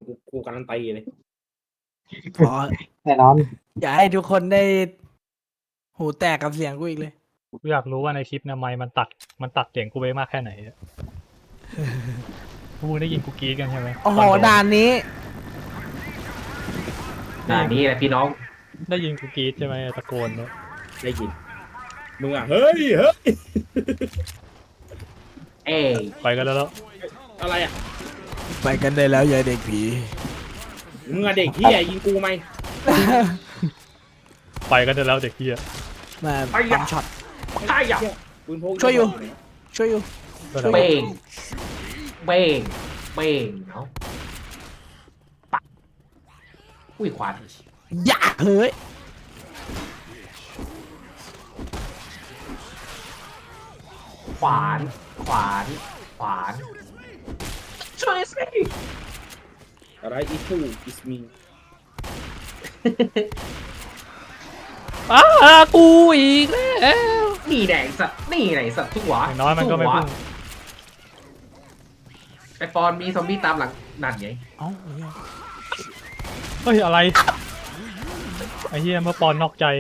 กูการันตีเลยพอแน่นอนอย่าให้ทุกคนได้หูแตกกับเสียงกูอีกเลยกูอยากรู้ว่าในคลิปเนี่ยไมค์มันตัดเสียงกูไปมากแค่ไหนอะกูได้ยินกูกรี๊ดกันใช่ไหมโอ้โหตนโดนด่านนี้นี่แหละพี่น้องได้ยินกูกรี๊ดใช่ไหมตะโกนเนี่ยได้ยินมึงอ่ะเฮ้ยเอ้ยไปกันแล้วอะไรอ่ะไปกันได้แล้วยายเด็กผีมึงอ่ะเด็กที่ยิงกูไหมไปกันได้แล้วเด็กเฮียมาปั๊มช็อตใช่อ่ะปืนพกช่วยอยู่ ช่วยอยู่เบ้งเบ้งเบ้งเนาะปะอุ้ยขวานอย่าเฮ้ยขวานขวานขวานช่วยสิอะไรอีทูอิสมีกูอีกแล้วนี่แหละสัตว์นี่แหละสัตว์ทุกหัวอย่างน้อยมันก็ไม่พุ่งไอปอนมีซอมบี้ตามหลังนั่นไงเอ้าเหี้ยเฮ้ยอะไรไอ้เฮียเมื่อปอนนอกใจ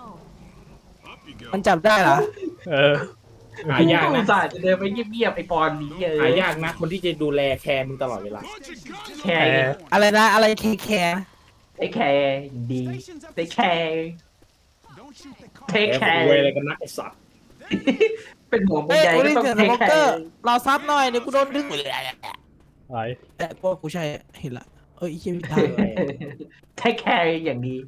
มันจับได้เหรอเออหายากอุนะตส่าห์จะเดินไปเงียบๆไอปอนนี้หายากนะคนที่จะดูแลแคร์มึงตลอดเวลาแคร์อะไรนะ อะไรแคร์ไอแคร์ดีไอแคร์เทคแคแคร์ร์รวยอะไรกันนักไอ้สัตว์เป็นห่วงเป็นเฮ้ยใยกูก็ได้ต้องเสียงเทสคโมแคเกอร์ร์รอซับหน่อยเดี๋ยวกูโดนดึงไหนแต่พวกกูใช่เห็นละเอ้ยเหี้ยผิดทางเทคแคร์อย่างดี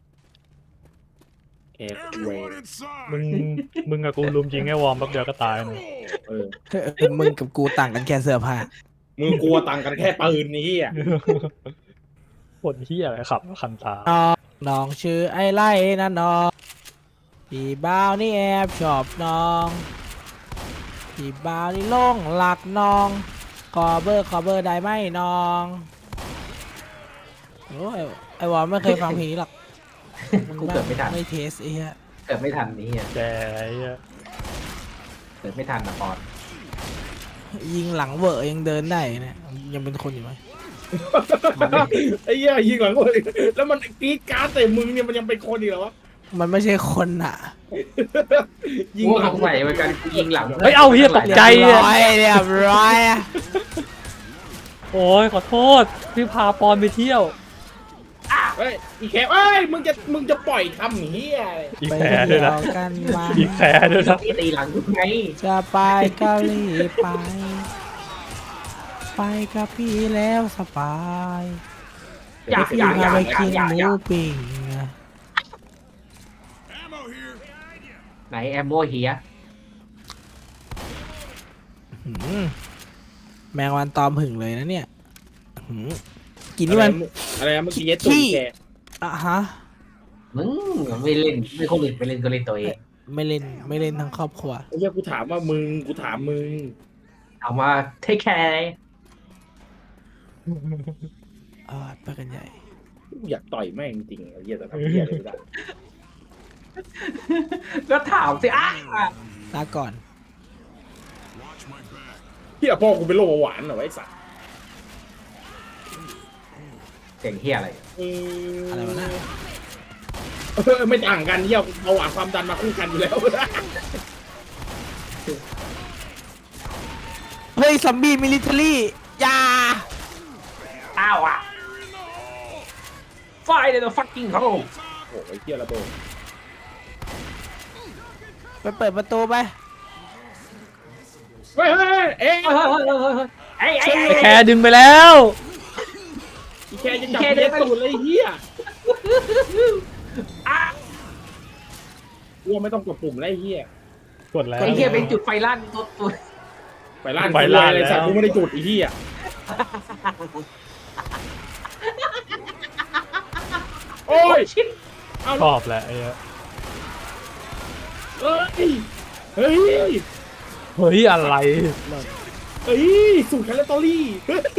แคร์รวยมึงกับกูลุมยิงไอ้วอร์มแป๊บเดียวก็ตายนะเออมึงกับกูต่างกันแค่เสื้อผ้ามึงกลัวตังค์กันแค่ปืนนี้อ่ะคนเฮียอะไรขับคันตาน้องชื่อไอ้ไล่นะน้องพี่บ่าวนี่แอบชอบน้องพี่บ่าวนี่หลงหลักน้องขอเบอร์ได้ไหมน้องโอ้ยไอ้วอลไม่เคยฟังเพลงนี้หรอกกูเกิดไม่ทันไม่เทสไอ้เหี้ยเกิดไม่ทันนี่อ่ะแกไอ้เฮียเกิดไม่ทันนะปอนยิงหลังเวอร์ยังเดินได้เนี่ยยังเป็นคนอยู่ไหมไอ้เหี้ยยิงหลังเลยแล้วมันกรีดการ์ดใส่มึงเนี่ยมันยังเป็นคนอีกเหรอวะมันไม่ใช่คนอ่ะยิงกูหลัสงงสัยเหมือนกันกูยิงหลังเฮ้ยเอาเฮียตกใจเรียบอะร้อยเรียบร้อยอะโอ้ยขอโทษพี่พาปอนไปเที่ยวเฮ้ยอีแคร์เอ้ยมึงจะปล่อยทำเหี้ยอะไรอีไปแคร์เที่ด้วยยนะวกันมาอีแคร์ด้วยนะตีหลังกูไงจะไปเกาหลีไป ไปกับพี่แล้วสบายอยากพี่อยากอากพายไปอยากกินอยากหมูอยากปิ้งไหนแอมโมเฮียหืมแมงวันตอมหึงเลยนะเนี่ยหืมกินนี่มันอะไรนะเมื่อกี้เย็ดตูดแคร์อ่ะฮะมึงไม่เล่นไม่คนอื่นไปเล่นก็เล่นตัวเองไม่เล่นทั้งครอบครัวไอ้เหี้ยกูถามว่ามึงกูถามมึงเอามาเทคแคร์ไปกันใหญ่กูอยากต่อยแม่งจริงๆไอ้เหี้ยแต่ทำเหี้ยอะไรไม่ได้ก็ถามสิอ่ะลาก่อนเหี้ยพ่อกูเป็นโรคเบาหวานเหรอวะไอ้สัสเสียงเฮียอะไรอะไรวะนะไม่ต่างกันเหี้ยเบาหวานความดันมาคู่กันอยู่แล้วเฮ้ยซอมบี้มิลิเทอรี่ยาอ้าวอ่ะไฟเลยนะฟักกิ้งเขาโอ้โหไอ้เหี้ยระเบิดไปเปิดประตูไปเฮ้ยเฮ้ยเอ๊ะเฮ้ยไอ้แคร์ดึงไปแล้วอีแคร์จะจับเย็ดตูดเลยไอ้เหี้ยกลัวไม่ต้องกดปุ่มแล้วไอ้เหี้ยกดแล้วไอ้เฮียเป็นจุดไฟลั่นตัวไปล่านไปล่านเลยสัตว์แล้วกูไม่ได้จุดไอ้เหี้ยโอ้ยชิดเอาชอบแหละไอ้เหี้ยเฮ้ยเฮ้ยเฮ้ยอะไรเฮ้ยสูตรแคลอรี่เฮ้ย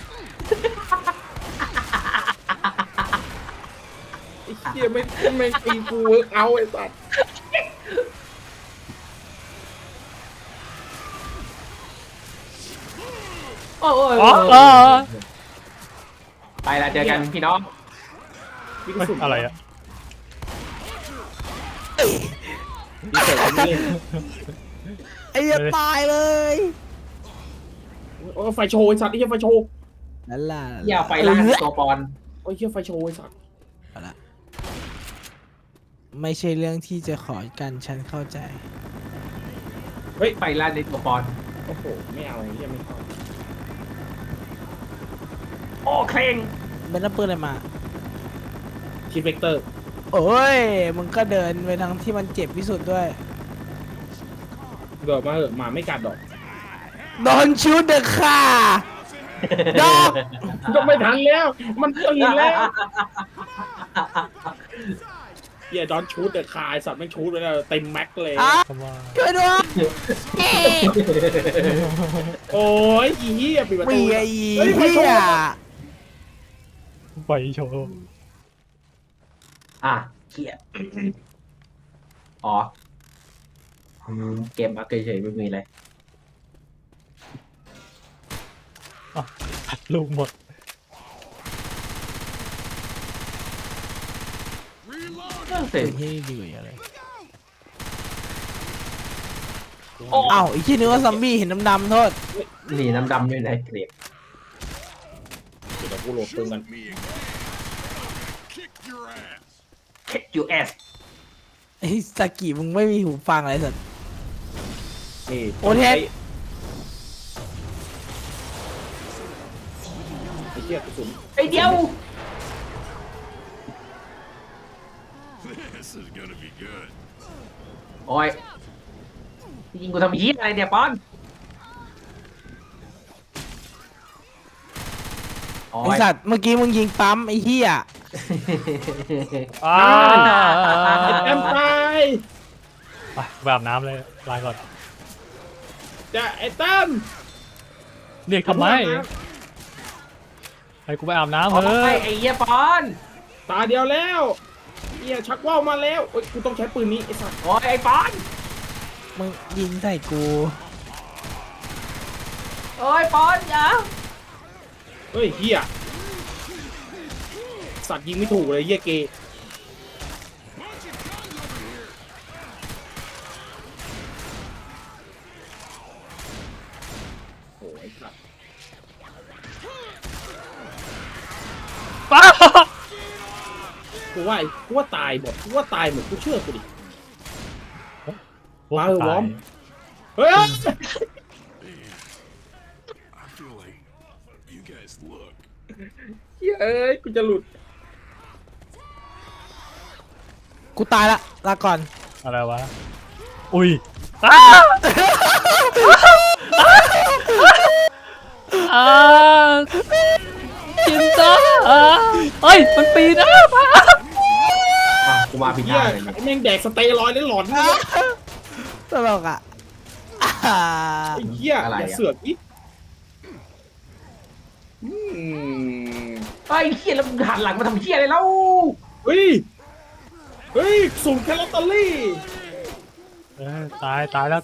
ไอ้เหี้ยไม่ตีกูเวิร์กเอาไอ้สัตว์โอ้ยอ๋อไปละเจอกันพี่น้องมีกระสุนอะไรอะมีเศษอันนี้ไอ้เหี้ยตายเลยโอ้ไฟโชว์ไอ้สัตว์ไอ้เหี้ยไฟโชว์นั่นล่ะอย่าไฟล่าตัวปอนโอ้ยเหี้ยไฟโชว์ไอ้สัตว์เอาละไม่ใช่เรื่องที่จะขอกันฉันเข้าใจไฟล่าในตัวปอนโอ้โหไม่เอาไอ้เหี้ยไม่เอาโอ้เคร่งเป็นน้ำปืนอะไรมาคิดเวกเตอร์โอ้ย มึงก็เดินไปทางที่มันเจ็บที่สุดด้วยเดี๋ยวมาเหอะหมาไม่กัดดอก Don't shoot the car ดอกก็ไม่ทันแล้ว มันตื่นแล้วเหี้ยดอนชูดแต่คายสัตว์ไม่ชูดเลยนะเต็มแม็กเลยอ่ะคำว่าช่วยด้วยโอ้ยอีเหี้ยปิดประปีตูไอ้เฮ้ยไฟเหี้โชยว์ไฟโชว์เครียดอ๋อเกมอัพเฉยๆไม่มีอะไรอัดลูกหมดเสร็จเฮ้ยดีกว่าเยอะเลยโอ้อ้าวไอ้ที่นึกว่าซอมบี้เห็นดำๆโทษหนีน้ำดำด้วยนะเกลียดเดี๋ยวกูโหลดปืนกัน Kick your ass ไอ้สากิมึงไม่มีหูฟังอะไรสัตว์นี่โอเทสไอ้เหี้ยกระสุนไอเดียว This is gonna be good. โอ้ยยิงกูทำเหี้ยอะไรเนี่ยปอนโอ้ไอย สัตว์เมื่อกี้มึงยิงปั๊มไอ้เหี้ยอ้าไอ้แอมตายไปแบบน้ำเลยลาก่อนจะไอ้ตั้มเรียกทำไมให้กูไปอาบน้ำโอ้เฮ้ยยไอ้เหี้ยปอนตาเดียวแล้วเหี้ยชักว่าวมาแล้วโอ้ยกูต้องใช้ปืนนี้ไอ้สัตว์โอ้ยไอ้ปอนมึงยิงใส่กูโอ้ยปอนอย่าเฮ้ยเหี้ยสัตว์ยิงไม่ถูกเลยเหี้ยเกย์โอ้ยสัตว์ป้ากูว่าตายหมดกูว่าตายหมดกูเชื่อกูดิพวกมาเหอะตาวย อร์ม เฮ้ย I feel like you guys look. เหี้ยเอ้ยกูจะหลุดกูตายละลาก่อนอะไรวะ อุ้ยอ้าอ่าจินจ้าเฮ้ย มันปีนป้ากูมาผิดเหี้ทาย งเลยเนี่ยแม่งแดกสเตียรอยด์แล้วหลอนเนี่ยตลกอ่ะไอ้เหี้ยอย่าเสือกอีกอืมไอ้เหี้ยแล้วมึงหันหลังมาทำเหี้ยอะไรแล้วเฮ้ยสุ่มแคลอตเตอรี่ตายแล้ว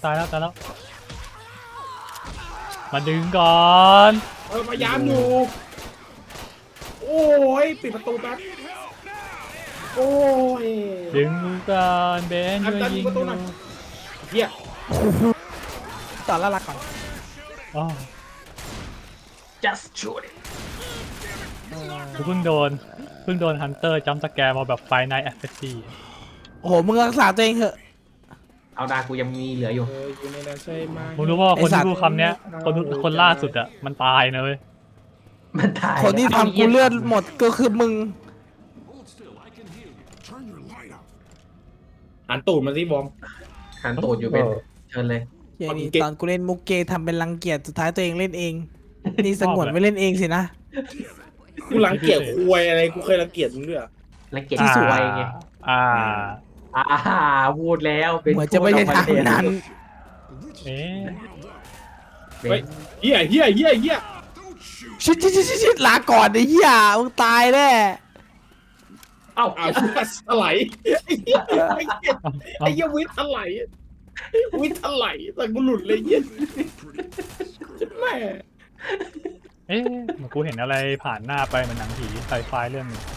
มาดึงก่อนพยายามอยู่โอ้ยปิดประตูแป๊บโอ้ยดึงก่อนเบนอันช่วยดันยิงประตูดูหน่อยเหี้ยต่อละลาก่อนอ๋อ just shoot it กูเพิ่งโดนฮันเตอร์จัมป์สแกร์มาแบบไฟไนท์แอสเซสซี่โอ้โหมึงรักษาตัวเองเถอะเอาดากูยังมีเหลืออยู่อยู่ในนั้นใช่ไหมมึงรู้ว่าคนไอ้สัตว์ที่พูดคำเนี้ยคนล่าสุดอ่ะมันตายนะเว้ยมันตายคนที่ทำกูเลือดหมดก็คือมึง Hold still, I can heal you. Turn your light up. หันตูดมาสิบอมหันตูดอยู่เป็นเชิญเลยอย่างนี้เก่งตอนกูเล่นมุกเกทำเป็นรังเกียจสุดท้ายตัวเองเล่นเอง นี่สงวนไม่เล่นเองสินะกูรังเกียจควยอะไรกูเคยรังเกียจมึงด้วยเหรอแล้วเกียรติสวยไงอ่าพูดแล้วเป็นเหมือนจะไม่ใช่ทางนั้นเอ๊ะเป็นเฮ้ยเหี้ยชิดลาก่อนไอ้เหี้ยมึงตายแน่เอ้าอ้าวถลายไอ้เหี้ยวิทย์ถลายแต่กูหลุดเลยเหี้ยแม่เอ๊ะเหมือนกูเห็นอะไรผ่านหน้าไปเหมือนหนังผีไซไฟเรื่องหนึง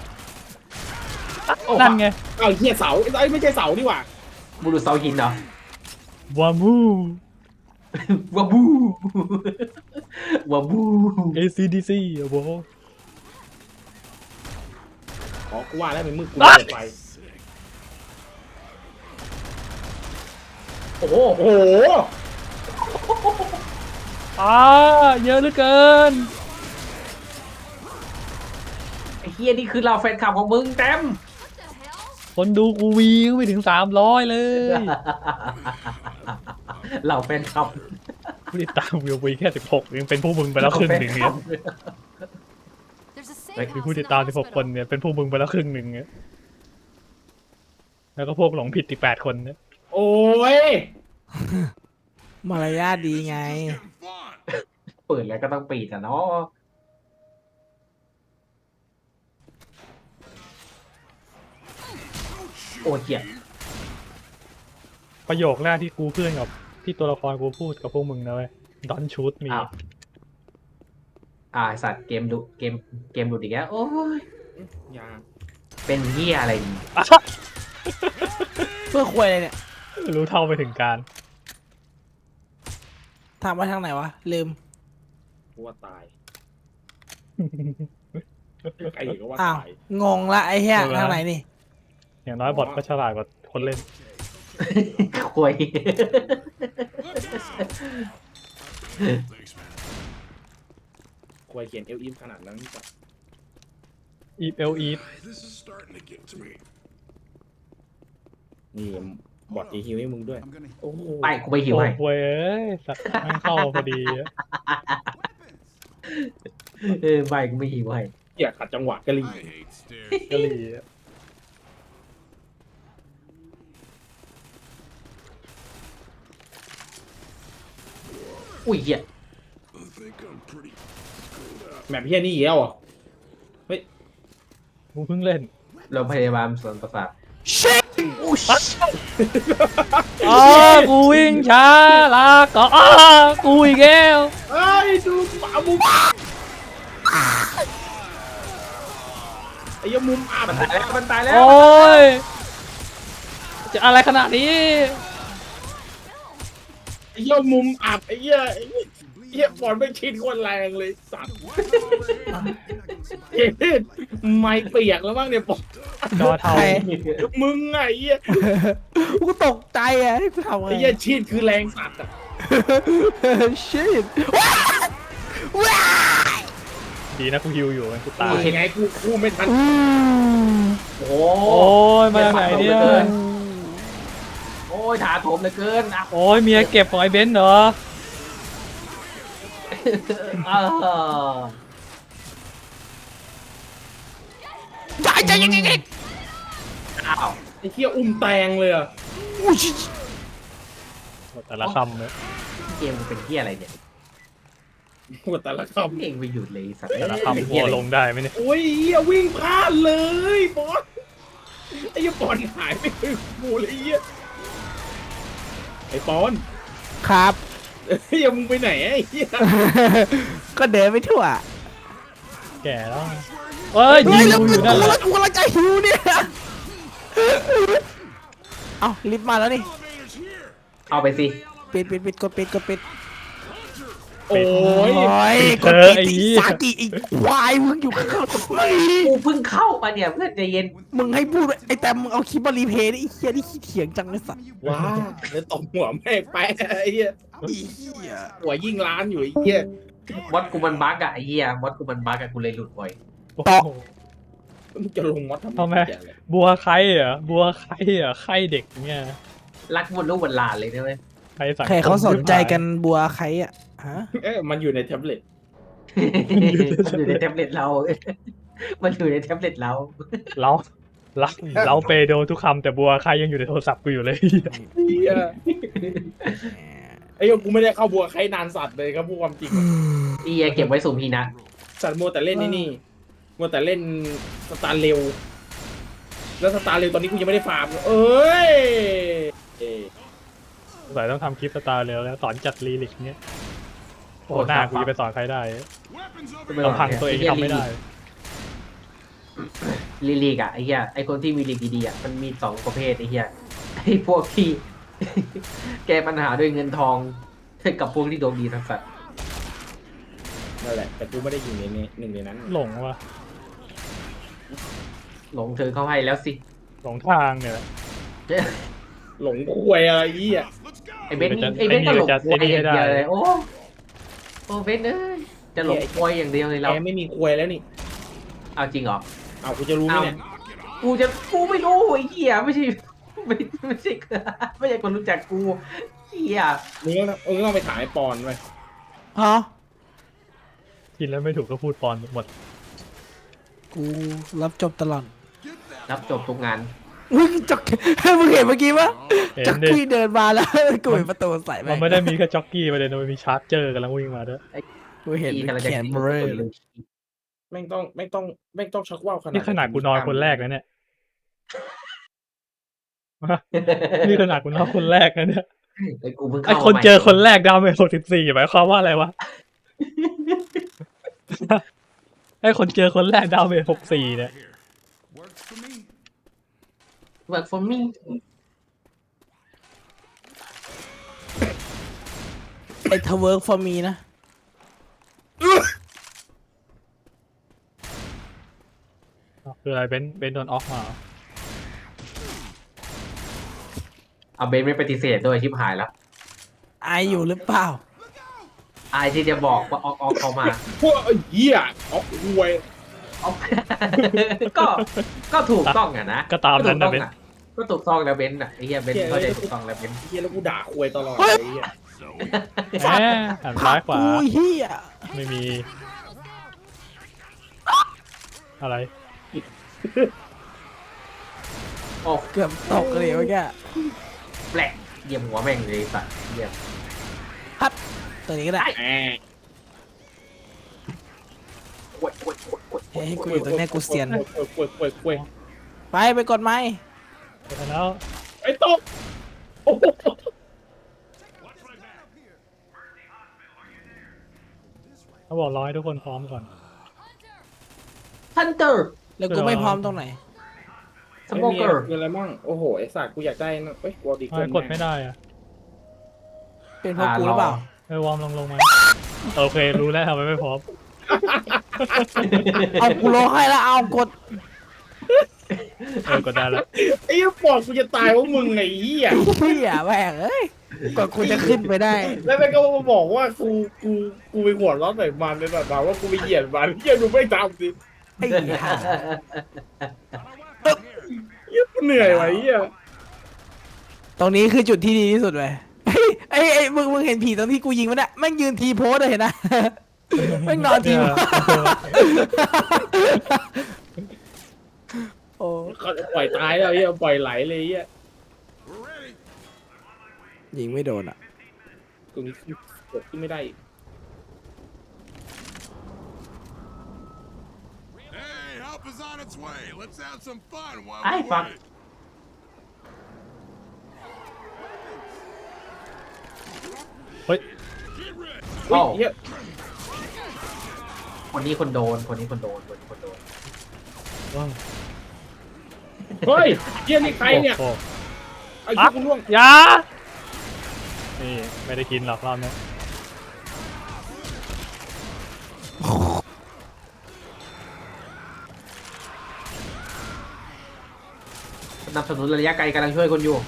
นั่นไงเอาเฮียเสาไอ้ยไม่ใช่เสานี่หว่าบุรุษเสาหินเหรอวามูวาบูวาบู ACDC โอ้โหอ๋อกูว่าแล้วมันมืดกูเปิดไฟโอ้โหโอ้โหเยอะเหลือเกินไอ้เฮียนี่คือเราแฟนคลับของมึงเต็มคนดูกูวีก็ไม่ถึง300เลยเราแฟนคลับผู้ติดตามวิววีแค่16ยังเป็นผู้มึงไปแล้วครึ่งหนึ่งเนี่ย มีผู้ติดตาม16คนเนี่ยเป็นผู้มึงไปแล้วครึ่งหนึ่งเนี่ยแล้วก็พวกหลงผิดอีก8คนเนี่ยโอ้ยมารยาทดีไงเปิดแล้วก็ต้องปิดอ่ะเนาะโอ้เหี้ยประโยคแรกที่กูเพื่อนกับที่ตัวละครกูพูดกับพวกมึงนะเว้ย Don't shoot me อ้าวสัตว์เกมดูดีกแล้วโอ้ยยาเป็นเหี้ยอะไรนี่เพื่อควยอะไรเนี่ยรู้เท่าไปถึงการถามว่าทางไหนวะ ลืมกูว่าตายไอ้ก็ว่าอ้าวตายงงละไอ้เหี้ยเออทางไหนนี่อย่างน้อยบอทก็ฉลาดกว่าคนเล่นควย Thanks, man. ควายเขียนเอลอิมขนาดนั้นจ้ะ Eep L Eep This is starting to get to me. นี่บอดตีฮิวให้มึงด้วย I'm gonna. โอ้โหไปกูไปหิวโอ้ให้โหเอ้ยสัตว์แม่งเข้ามาพอดีอะไปกูไม่หิวให้เหี้ยขัดจังหวะกะลี I hate stairs. กะหรี่อะอุ้ยเหี้ย I think I'm pretty screwed up. แมปเฮียนี่อีกแล้วเหรอ่ะกูเพิ่งเล่นโรงพยาบาลสวนประสาทกูวิ่งช้าลาก็กูอีกแล้วเอ้ยดูป่ามุมไอ้เหี้ยมุมอับมันตายแล้วมันตายแล้วโอ้ย จะอะไรขนาดนี้ไอ้เหี้ยมุมอับไอ้เหี้ยบอลไม่ชิดคนแรงเลยสัตว์เฮ้ยไม่เปียกแล้วบ้างเนี่ยบอลจอเทาใครมึงไงไอ้เหี้ยกูตกใจอ่ะให้กูทำไงไอ้เหี้ยชิดคือแรงสัตว์อ่ะชิดดีนะกูฮิวอยู่มันกูตายยังไงกูไม่ทันโอ้โหโอ้ยมาจากไหนเนี่ยโอ้ยถาโถมเหลือเกินอ่ะโอ้ยเมียเก็บของไอ้เบนซ์เหรอใจยังไงอ้าวไอ้เหี้ยอุ้มแตงเลยอ่ะแต่ละคำเลยเกมมันเป็นเหี้ยอะไรเนี่ยปวดแต่ละคเองไปหยุดเลยสัตว์แต่ละเป็นคำเหี้พัยว อะไรลงได้ไหมเนี่ยำโอ้ยเหี้ยวิ่งพลาดเลยบอลไอ้เหี้ยบอลหายไปถึงกูเลยไอ้เหี้ยไอ้ปอนครับเฮ้ยมึงไปไหนไอ้เหี้ยก็เดินไปทั่วแก่แล้วเอ้ยยิเฮ้ยงแล้วกูกูอยู่นั่นแหละกำลังจะหิวเนี่ย เอ้าลิฟต์มาแล้วนี่ Elevator's here. เอาไปสิปิดกดปิดโอ้ยโอ้ยเธกดอปิดไอ้อีเหี้ยสากิอีกควายมึงอยู่ข้างๆทำไมกูเพิ่งเข้ามาเนี่ยเพื่อนใจเย็นมึงให้พูดไอ้แต่มึงเอาคลิปมารีเพลย์ดิไอ้เหี้ยนี่ขี้เถียงจังเลยสัตว์ว้าแล้วตบหัวแม่งไปไอ้เหี้ยไอ้เหี้ยหัวยิ่งล้านอยู่ไอ้เหี้ยมดกูมันบั๊กอะไอ้เหี้ยมดกูมันบั๊กอะกูเลยหลุดบ่อยโอ้โหมึงจะลงวัดทำทำไมเหี้ยอะไรบัวไข่เหรอบัวไข่เหรอไข่เด็กเนี่ยรักบนลูกบนหลานเลยนะเว้ยไข่สังคมใครเขาสนใจกันบัวใครอ่ะฮะเอ๊ะมันอยู่ในแท็บเล็ตมันอยู่ในแท็บเล็ตเรา มันอยู่ในแท็บเล็ตเราเราเราเปโดทุกคำแต่บัวไข่ยังอยู่ในโทรศัพท์กูอยู่เลยเหี้ยไอ้เหี้ยกูไม่ได้เข้าบัวใครนานสัตว์เลยครับพูดความจริงเอียเก็บไว้สุ่มพีนะสัตว์มัวแต่เล่นนี่มัวแต่เล่นสตาร์เร็วแล้วสตาร์เร็วตอนนี้กูยังไม่ได้ฟาร์มเอ้ยสงสัยต้องทำคลิปสตาร์เร็วแล้วสอนจัดลีลิกเนี้ยโอ้หน้ากูจะไปสอนใครได้ Weapons over ไม่ here. หรอกลำพังตัวเองทำไม่ได้ลีกอะไอ้เหี้ยไอ้คนที่มีลีกดีๆอะมันมีสองประเภทไอ้เหี้ยไอ้พวกที่ แก้ปัญหาด้วยเงินทองกับพวกที่ดวงดีทั้งสัตว์นั่นแหละแต่กูไม่ได้อยู่ในนี้หนึ่งในนั้นหลงวะหลงเธอเข้าให้แล้วสิหลงทางเนี่ยแหละหลงควยอะไรเหี้ย Let's go. ไอ้เบนซ์ไอ้เบนซ์ก็หลงควยอย่างเดียวเลยโอ้เบนซ์เอ้ยจะหลงควยอย่างเดียวเลยแกเราไม่มีควยแล้วนี่เอาจริงเหรอเอากูจะรู้ไหมเนี่ยกูไม่รู้ไอ้เหี้ยไม่ใช่ไม่ใช่ไม่ใช่คนรู้จักกูเหี้ยมึงต้องไปถามไอ้ปอนไปฮะกินแล้วไม่ถูกก็พูดปอนหมดกูรับจบตลอดรับจบทุกงานมึงจักมึงเห็นเมื่อกี้ปะเห็นจักดิกี้เดินมาแล้วกูเห็นประตูใส่ไปมันไม่ได้มีแค่จ็อกกี้ประเด็นมันมีชาร์จเจอร์กำลังวิ่งมาด้วยกูเห็นที่กำลังจะแขนเบลอเลยแม่งต้องชักว่าวขนาดนี่ขนาดกูนอนคนแรกนะเนี่ย นี่ขนาดกูนอนคนแรกนะเนี่ยไอ้กูเพิ่งไอเข้าคนมาเจอคนแรกดาวเมจ64หมายความว่าอะไรวะ ไอคนเจอคนแรกดาวเมจ64เนี่ย Works for me. เวิร์กฟอร์มี่ไอ้ทเวิร์กฟอร์มีนะคืออะไรเบนโดนออฟมาเหรอเอาเบนไม่ปฏิเสธด้วยชิบหายแล้วไออยู่หรือเปล่าอายที่จะบอกว่าออกเข้ามาพวกไอ้เหี้ยเอาควยเอา ก็ถูกต้องอะนะก็ตามนั้นนะเบนก็ถูกต้องแล้วเบนอะไอ้เหี้ยเบนเข้าใจถูกต้องแล้วเบนไอ้เหี้ยแล้วกูด่าควยตลอดเฮ้ยไอ้เหี้ยแหมหันซ้ายขวากูเฮียไม่มี อะไรโอ้เกือบตกเลยเมื่อกี้แปลกเยี่ยมหัวแม่งเลยสัตว์เยี่ยมฮัทตัวนี้ก็ได้แหมโวยโวยโวยโวยเฮ้ยกูอยู่ตรงเนี้ยกูเซียนควยไปกดไม้เสร็จแล้วไอ้ตกโอ้โหเขาบอกรอให้ทุกคนพร้อมก่อนฮันเตอร์แล้วกูไม่พร้อมตรงไหนสโมเกอร์คืออะไรมั่งโอ้โหไอ้สัตว์กูอยากได้นะเอ้ยกูเอาดีทำไมกดไม่ได้อะเป็นเพราะกูหรือเปล่าวอร์มลงมา โอเค รู้แล้วทำไมไม่พร้อมเอากูร้องให้แล้วเอากดกดได้แล้วไอ้เหี้ยปอดกูจะตายเพราะมึงไงเหี้ยเฮียแม่งเอ้ยกว่ากูจะขึ้นไปได้แล้วแม่งก็มาบอกว่ากูไปหัวเร้อนใส่มันเลยแบบว่ากูไปเหยียดมันเหี้ยดูไม่ทำสิไอ้ห่าเหี้ยกูเหนื่อยว่ะเหี้ยตรงนี้คือจุดที่ดีที่สุดเว้ยไอ้มึงเห็นผีตรงที่กูยิงมันอะแม่งยืนทีโพสเลยเห็นนะ แม่งนอนทีโพสโอ้เขาปล่อยตายแล้วเหี้ยปล่อยไหลเลยเหี้ย We're ready. ยิงไม่โดนอะตรงนี้กดขึ้นไม่ได้ Hey, help is on its way. Let's have some fun while ไอ้ we ฟัง wait. เฮ้ย Get ready. เฮ้ยเหี้ยคนนี้คนโดน คนนี้คนโดน คนนี้คนโดนเฮ้ยเหี้ยนี่ใครเนี่ยโอ้ไอ้เหี้ยกูล่วงอยานี่ไม่ได้กินหรอกรอบนี้สนับสนุนระยะไกลกำลังช่วยคนอยู่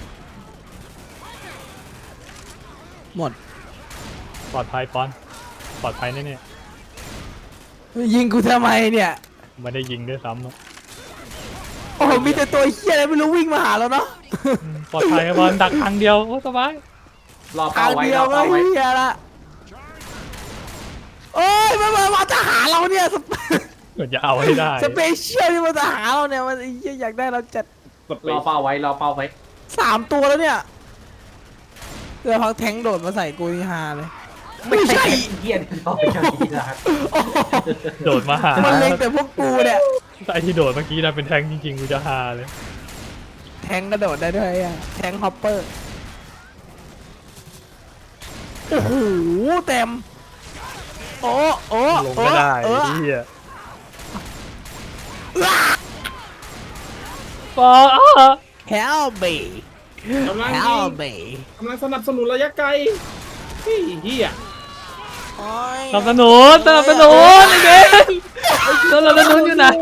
หมดปลอดภัยปอนปลอดภัยแน่ยิงกูทำไมเนี่ยๆไม่ได้ยิงด้วยซ้ำอะโอ้โหมีแต่ตัวเฮียอะไรไม่รู้วิ่งมาหาเราเนาะปลอดภัยบอลดักทางเดียวโอ้สบายรอทาเป้าง ไว้เดียรวอก็เป้าไว้เฮียละโอ้ยมาจะหาเราเนี่ยเหมือนจะเอาให้ได้สเปเชียลที่มันจะหาเราเนี่ยมันไอ้เหี้ยอยากได้เราจัดรอเป้าไว้ รอเป้าไว้ 3 ตัวแล้วเนี่ยเดี๋ยวพักแทงโดดมาใส่กูนี่ฮาเลย ไม่ใช่เหี้ยรอไปเจ้าที่รักโอ้โหโดดมาหามันเล็งแต่พวกกูเนี่ยไอที่โดดเมื่อกี้นะเป็นแทงจริงๆกูจะฮาเลยแทงกระโดดได้ด้วยอ่ะแทงฮอปเปอร์โอ้โหเต็มโอ้โอ้ลงไม่ได้เออเฮียปอ Help me กำลังยิ Help ง me กำลังสนับสนุนระยะไกลเฮ้ยเฮียโอ้ยสนับสนุนไอ้เบนสนับสนุนอยู่ไหน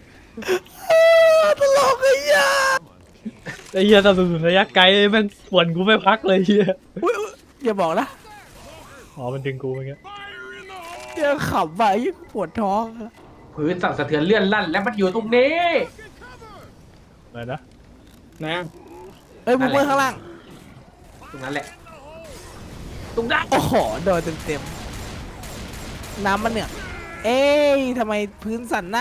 ตลกไอ้เหี้ยไอ้เฮียสนับสนุนระยะไกลแม่งปวนกูไม่พักเลยเฮียอุ๊ยอุ๊ยอย่าบอกนะอ๋อมันดึงกูเมื่อกี้เหี้ยขำไปยิ่งปวดท้องอะพื้นสั่นสะเทือนเลื่อนลั่นและมันอยู่ตรงนี้อะไรนะนะเอ้ยมึงเมื่อข้างล่างตรงนั้นแหละตรงนั้นโอ้โหโดนเต็มๆน้ำมันเนี่ยเอ้ยทำไมพื้นสั่นนะ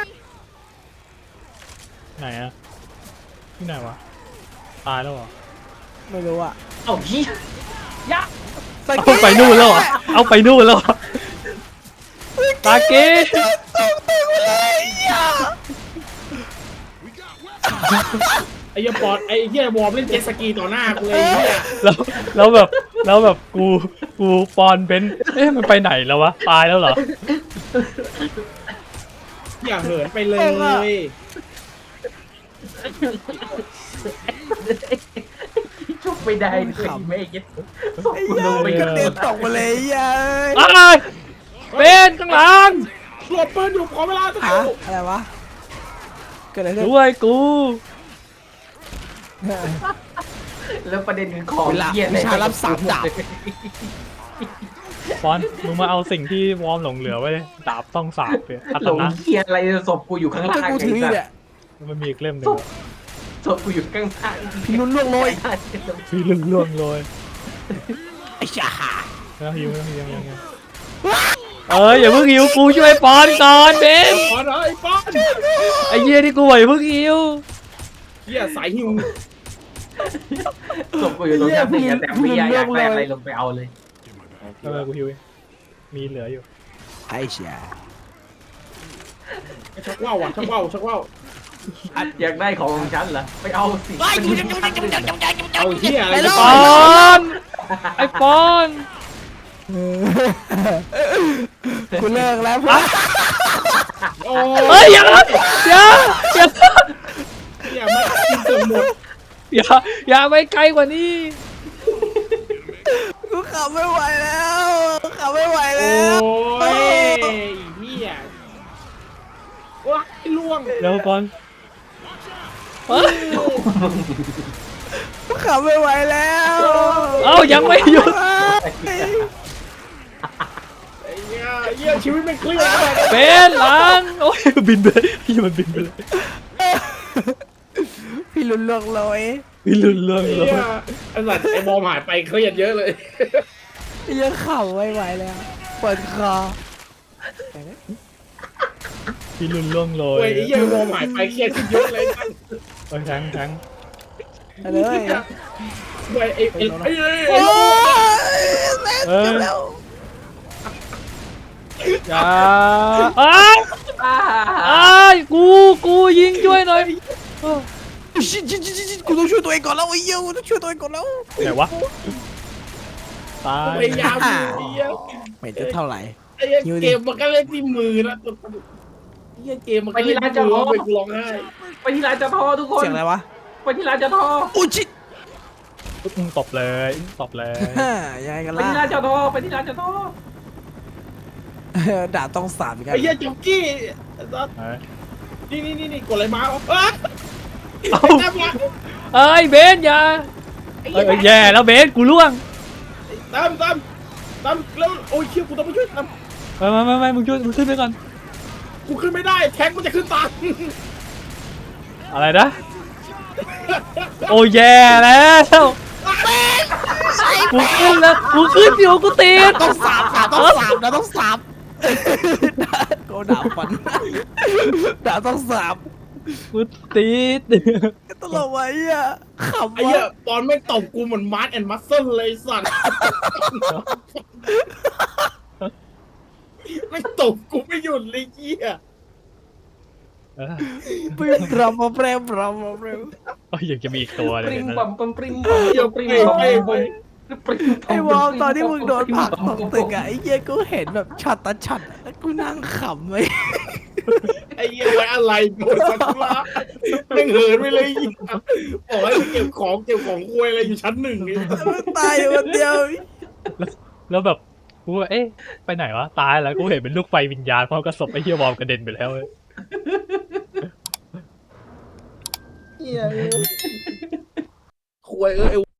ไหนอะที่ไหนวะตายแล้วเหรอไม่รู้อะเอ้าเฮียยะสกิเอาไปนู่นแล้วเหรอเอาไปนู่นแล้วเหรอตาเก้ตกตึกเลยอ่ะไอ้เหี้ยปอดไอ้เหี้ยวอร์มเล่นเจ็ตสกีต่อหน้ากูเลยไอ้เหี้ยแล้วแบบกูปอนเบนซ์เอ๊ะมันไปไหนแล้ววะตายแล้วเหรออย่าเหินไปเลยชุบไม่ได้เลยไม่เก็ตศพไอ้กูเหี้ลยงไปกกัระนเด็นตกมาเลยอ่ะอะไรเบนซ์ข้างหลังหลบปืนอยู่ขอเวลาสักคฮะรู่อะไรวะเกิดอะไรขึ้นด้วยกูแล้วประเด็นของเวลาเหี้ยวิชารับสามดาบปอนมึงมาเอาสิ่งที่วอร์มหลงเหลือไว้เลยดาบต้องสาบเลยอัหตลงนะเหี้ยอะไรศพกูอยู่ข้างก็ล่างกูถืออยู่เนี่ยมันมีอีกเล่มหนึ่ศงพศพกูอยู่ข้างล่างพี่นุ่นล่วงโรยพี่ล่วงโรยไอ้ชาแล้วหิวยังเอ้ยอย่าเพิ่งหิวกูช่วยปอนก่อนเบนซ์ปอดไอ้ปอนไอ้เหี้ยที่กูอย่าเพิ่งหิวเหี้ยสายหิวศพกูอยู่ตรงนี้พี่แต่ไม่อยากแปลอะไรลงไปเอาเลยกูหิวเองมีเหลืออยู่ไอ้ชาชักว่าวอ่ะชักว่าวชักว่าวอยากได้ของฉันเหรอไปเอาสิเอาเหี้ยอะไรปอนไอ้ปอนกูเลิกแล้วเพื่อนโอ้เฮ้ยอย่าเหี้ยไม่กินเกือบหมดอย่าไปไกลกว่านี้กูขับไม่ไหวแล้วขับไม่ไหวโอ้แล้วยเหี้ยว้าล่วงเร็วปอนกูขับไม่ไหวแล้วเอ้ายังไม่หยุดไอ้เหี้ยชีวิตมันเคลื่อนไปเป็นหลังโอ้ยบินไปพี่มันบินไปเลยพี่ลุ้นล่วงโรยพี่ลื่นเรื่องเลเหี้ยยไอ้สัตว์ไอ้บอมหายไปเครียดเยอะเลยยังขับไม่ไหวแล้วเปิดคอพี่ลื่นเรื่องเลเว้ยยไอ้เหี้ยไอ้บอมหายไปเครียดขึ้นเยอะเลยเอ้ยแทงไปเลยเว้ยไอ้โอ้ยเอ้ยอย่าอ้าอ้ากูยิงช่วยหน่อยชิกูต้องช่วยตัวเองก่อนแล้วไอ้เหี้ยกูต้องช่วยตัวเองก่อนแล้วไหนวะตายพยายามอยู่ไอ้เหี้ยไม่จะเท่าไหร่ไอ้เหี้ยเกมมันก็เล่นที่มือนะไอ้เหี้ยเกมมันก็เล่นที่มือไปกูร้องไห้ไปที่ร้านจะทอทุกคนเสียงอะไรวะไปที่ร้านจะทอโอ้ชิตตบเลยตบเลยยังไงกันไปล่ะที่ร้านจะทอไปที่ร้านจะทอด่าต้องสามอีกแล้ไอ้เหี้ยจ็อกกี้เฮ้ยนี่กดอะไรมาอ้าเอ้าแต้มละเอ้ยเบนอย่าเอ้ยแย่แล้วเบนกูล่วงแต้มแล้วโอ้ยเชี่ยกูต้องไปช่วยแต้มไม่มึงช่วยมึงขึ้นไปก่อนกูขึ้นไม่ได้แทงมันจะขึ้นตามอะไรนะโอ้แย่แล้วกูขึ้นแล้วกูขึ้นอยู่กูติดต้องสามนะต้องสามกูด่าฟันด่าต้องสามกูติดตลกไว้อ่ะขำไอ้เหี้วะยตอนไม่ตบกูเหมือนมาร์ทแอนด์มัสเซิลเลยสัตว์ไม่ตบกูไม่หยุดเลยเหี้ยเปรี้ยบรำมาเปรี้ยบรำมาเปรี้ยโอ้ยยังจะมีอีกตัวเลยปริงนะปั๊มปั๊มปริงปั๊มเหี้ยปริงไปปั๊มไปปั๊มไอ้วอลตอนที่มึงโดนผลักตกตึกอะไอ้เหี้ยกูเห็นแบบช็อตต่อช็อตอะแล้วกูนั่งขำเลยไอ้เหี้ยไว้อะไรโดนสักุระแม่งเหินไปเลยบอกให้ไปเก็บของคุยอะไรอยู่ชั้นหนึ่งนี่แล้วมึงตายอยู่คนเดียวแล้วแบบกูว่าเอ๊ะไปไหนวะตายแล้วกูเห็นเป็นลูกไฟวิญญาณพร้อมกับศพไอ้เฮียวอมกระเด็นไปแล้วเว้ยเหี้ยคุยไอ้